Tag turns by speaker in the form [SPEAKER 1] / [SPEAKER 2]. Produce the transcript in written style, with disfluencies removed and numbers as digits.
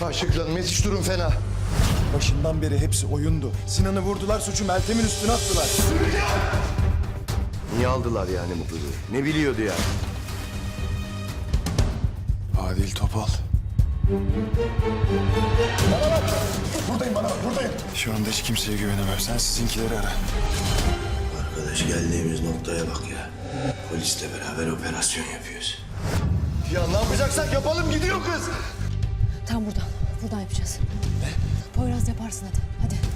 [SPEAKER 1] Ayşegül Hanım yetiş, durum fena.
[SPEAKER 2] Başından beri hepsi oyundu. Sinan'ı vurdular, suçu Meltem'in üstüne attılar.
[SPEAKER 1] Niye aldılar yani bu kızı? Ne biliyordu yani?
[SPEAKER 2] Adil Topal. Buradayım, buradayım. Şu anda hiç kimseye güvenemem. Sen sizinkileri ara.
[SPEAKER 3] Arkadaş geldiğimiz noktaya bak ya. Polisle beraber operasyon yapıyoruz.
[SPEAKER 1] Ya ne yapacaksak yapalım, gidiyor kız.
[SPEAKER 4] Tam buradan yapacağız. Ne? Poyraz yaparsın hadi.